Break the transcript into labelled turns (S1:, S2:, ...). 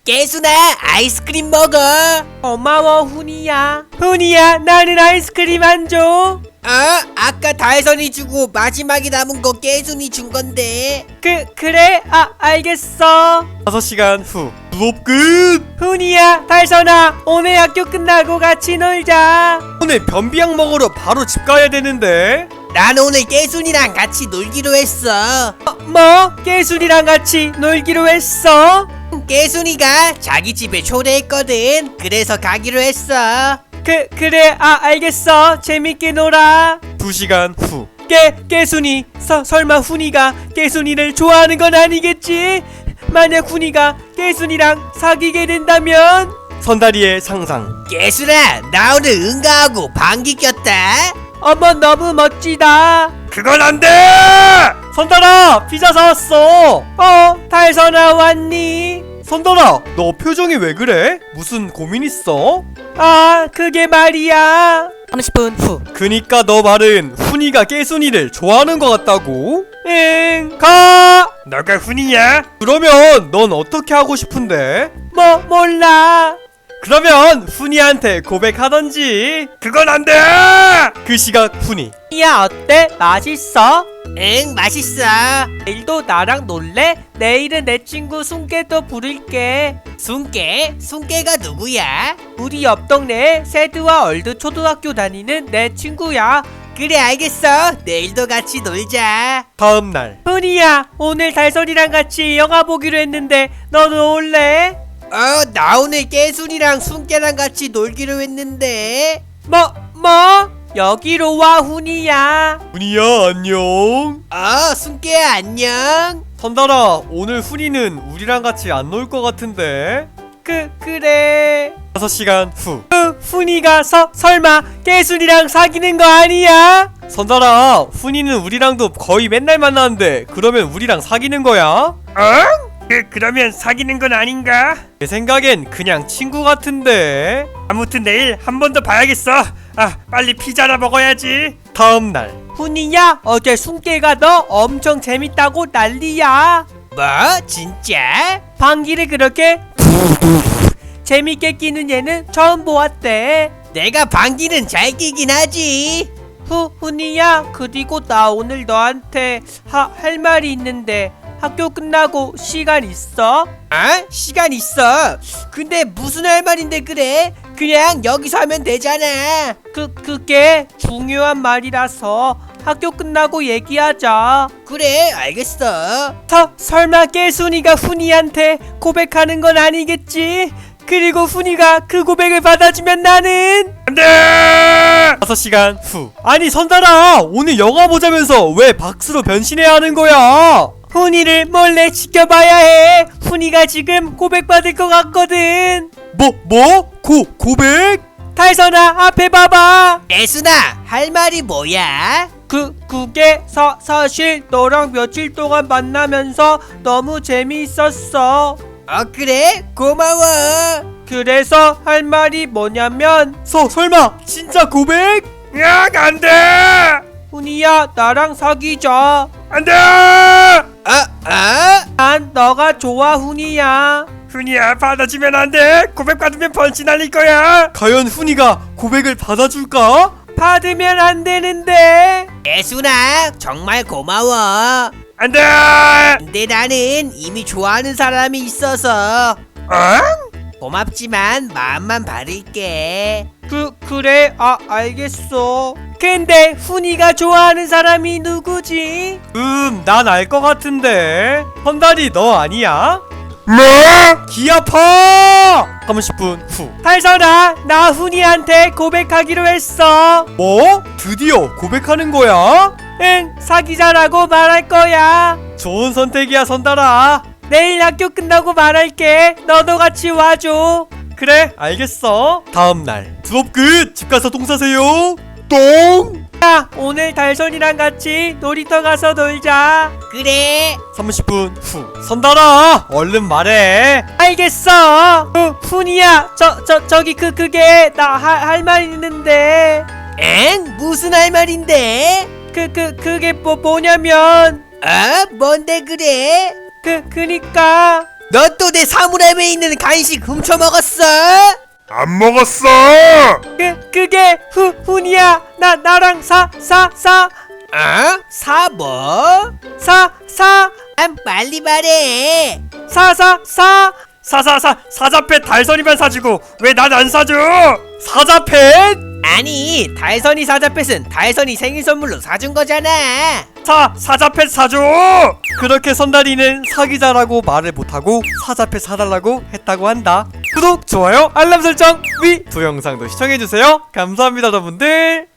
S1: 깨순아, 아이스크림 먹어.
S2: 고마워 훈이야. 훈이야, 나는 아이스크림 안 줘.
S1: 아까 달선이 주고 마지막에 남은 거 깨순이 준 건데.
S2: 그래? 알겠어.
S3: 5시간 후 수업 끝!
S2: 훈이야, 달선아, 오늘 학교 끝나고 같이 놀자.
S3: 오늘 변비약 먹으러 바로 집 가야 되는데.
S1: 난 오늘 깨순이랑 같이 놀기로 했어.
S2: 뭐? 깨순이랑 같이 놀기로 했어?
S1: 깨순이가 자기 집에 초대했거든. 그래서 가기로 했어.
S2: 그래, 알겠어. 재밌게 놀아.
S3: 2시간 후
S2: 깨순이, 설마 훈이가 깨순이를 좋아하는 건 아니겠지? 만약 훈이가 깨순이랑 사귀게 된다면?
S3: 선다리의 상상.
S1: 깨순아, 나 오늘 응가하고 방귀 꼈다.
S2: 어머, 너무 멋지다.
S3: 그건 안 돼! 선달아, 피자 사왔어.
S2: 달선아 왔니?
S3: 선달아, 너 표정이 왜 그래? 무슨 고민 있어?
S2: 그게 말이야.
S1: 30분 후.
S3: 그니까 너 말은 훈이가 깨순이를 좋아하는 것 같다고?
S2: 응, 가.
S3: 너가 훈이야? 그러면 넌 어떻게 하고 싶은데?
S2: 몰라.
S3: 그러면 훈이한테 고백하던지. 그건 안 돼! 그 시각 훈이.
S2: 야, 어때? 맛있어?
S1: 응, 맛있어.
S2: 내일도 나랑 놀래? 내일은 내 친구 순깨도 부를게.
S1: 순깨가 누구야?
S2: 우리 옆 동네에 세드와 얼드 초등학교 다니는 내 친구야.
S1: 그래, 알겠어. 내일도 같이 놀자.
S3: 다음날.
S2: 훈이야, 오늘 달선이랑 같이 영화 보기로 했는데 너도 올래?
S1: 나 오늘 깨순이랑 순깨랑 같이 놀기로 했는데.
S2: 뭐? 여기로 와, 훈이야.
S3: 훈이야, 안녕.
S1: 순깨야, 안녕.
S3: 선달아, 오늘 훈이는 우리랑 같이 안 놀 것 같은데.
S2: 그래.
S3: 5시간 후.
S2: 훈이가 설마 깨순이랑 사귀는 거 아니야?
S3: 선달아, 훈이는 우리랑도 거의 맨날 만나는데 그러면 우리랑 사귀는 거야? 그러면 사귀는 건 아닌가? 내 생각엔 그냥 친구 같은데. 아무튼 내일 한 번 더 봐야겠어. 빨리 피자나 먹어야지. 다음날.
S2: 훈이야, 어제 순깨가 너 엄청 재밌다고 난리야.
S1: 뭐? 진짜?
S2: 방귀를 그렇게 재밌게 끼는 얘는 처음 보았대.
S1: 내가 방귀는 잘 끼긴 하지.
S2: 훈이야, 그리고 나 오늘 너한테 할 말이 있는데 학교 끝나고 시간 있어?
S1: 시간 있어. 근데 무슨 할 말인데 그래? 그냥 여기서 하면 되잖아.
S2: 그게 중요한 말이라서 학교 끝나고 얘기하자.
S1: 그래, 알겠어.
S2: 설마 깨순이가 훈이한테 고백하는 건 아니겠지? 그리고 훈이가 그 고백을 받아주면 나는
S3: 안돼! 5시간 후. 아니 선달아, 오늘 영화 보자면서 왜 박수로 변신해야 하는 거야?
S2: 훈이를 몰래 지켜봐야 해. 훈이가 지금 고백받을 것 같거든.
S3: 고백?
S2: 달선아, 앞에 봐봐.
S1: 깨순아, 할 말이 뭐야?
S2: 그게 사실 너랑 며칠 동안 만나면서 너무 재미있었어.
S1: 그래? 고마워.
S2: 그래서 할 말이 뭐냐면,
S3: 설마 진짜 고백? 야, 안 돼!
S2: 훈이야, 나랑 사귀자.
S3: 안 돼!
S2: 난 너가 좋아, 훈이야.
S3: 훈이야, 받아주면 안 돼. 고백 받으면 번지 날릴 거야. 과연 훈이가 고백을 받아줄까?
S2: 받으면 안 되는데.
S1: 깨순아, 정말 고마워.
S3: 안 돼!
S1: 근데 나는 이미 좋아하는 사람이 있어서. 고맙지만 마음만 바를게.
S2: 그래, 알겠어. 근데 훈이가 좋아하는 사람이 누구지?
S3: 난 알 것 같은데. 선달이 너 아니야? 뭐? 귀 아파! 30분 후.
S2: 달선아, 나 훈이한테 고백하기로 했어.
S3: 뭐? 드디어 고백하는 거야?
S2: 응, 사귀자라고 말할 거야.
S3: 좋은 선택이야, 선달아.
S2: 내일 학교 끝나고 말할게. 너도 같이 와줘.
S3: 그래, 알겠어. 다음날. 수업 끝! 집 가서 똥 싸세요. 똥!
S2: 야, 오늘 달선이랑 같이 놀이터 가서 놀자.
S1: 그래.
S3: 30분 후. 선달아, 얼른 말해.
S2: 알겠어. 훈이야, 저기 그게 나 할 말 있는데.
S1: 무슨 할 말인데?
S2: 그게 뭐냐면
S1: 뭔데 그래?
S2: 그니까
S1: 너 또 내 사물함에 있는 간식 훔쳐먹었어?
S4: 안 먹었어.
S2: 그게 훈이야. 나랑 사
S1: 어? 사 뭐? 빨리 말해.
S3: 사자펫 달선이만 사주고 왜 난 안 사줘? 사자펫?
S1: 아니, 달선이 사자펫은 달선이 생일 선물로 사준 거잖아.
S3: 사자펫 사줘. 그렇게 선달이는 사기자라고 말을 못하고 사자펫 사달라고 했다고 한다. 구독, 좋아요, 알람 설정, 두 영상도 시청해주세요. 감사합니다 여러분들.